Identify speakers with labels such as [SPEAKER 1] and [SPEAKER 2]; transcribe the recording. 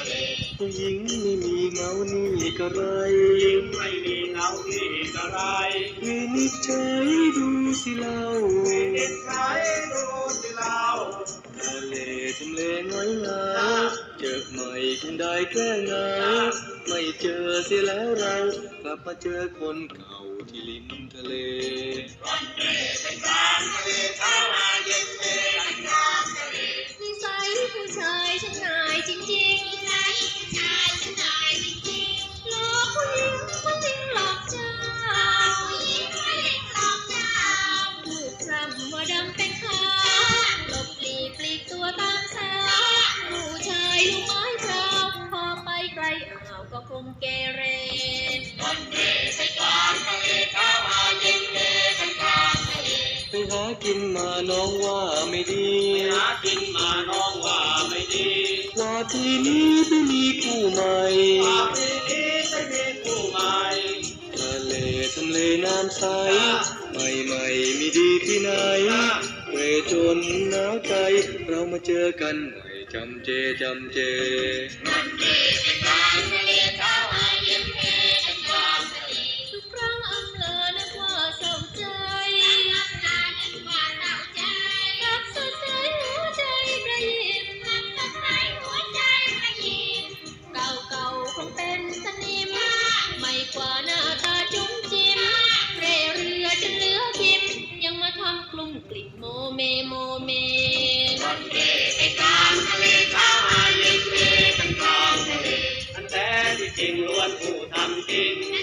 [SPEAKER 1] ผู้หญิงไม่มีเงานี่ก็ไร
[SPEAKER 2] ไม่มีเงานี่ก็ไร
[SPEAKER 1] วินิจฉัยดูสิเล่า
[SPEAKER 2] วินิจฉัยดูสิเล่า
[SPEAKER 1] ทะเลทำเลน้อยงาเจอใหม่คงได้แค่เงาไม่เจอเสียแล้วเรากลับมาเจอคนเก่าที่ริมทะเล
[SPEAKER 3] นิสัยผู้ชายช่างง่ายจริงๆนิสัยผู้ชายช่างง่ายจริงๆหลอกผู้หญิงผู้หญิงหลอกเจ้าผู้หญิงผู้หญิงหลอกเจ้าถูกพร่ำว่าดำเป็นขาวหลบหลีกปลีกตัวตามสาวผู้ชายลูกไม้พราวพอไปไกลอ่าวก็คงเกเร
[SPEAKER 1] ไปหากินมาน้องว่าไม่ดี
[SPEAKER 2] หากินมาน้องว่าไม่ดี
[SPEAKER 1] ว่าทีนี้ไม่มีคู่ใหม่
[SPEAKER 2] ว่าทีนี้ไม่มีคู่ใหม่
[SPEAKER 1] ทะเลทำเลน้ำใสใหม่มีดีที่ไหนเวจนหนาวใจเรามาเจอกันใหม่จำเจ
[SPEAKER 3] ทุกครั้งอำเลอนึกว่าเศร้าใจรักสดใสหัวใจประยิมเก่าคงเป็นสนิมไม่กว่าหน้าตาจุ้มจิ้มเร่เรือจนเหลือพิมยังมาทำกลุ่มกลิ่นโมเม
[SPEAKER 2] อันแท้ที่จริงล้วนผู้ทำจริง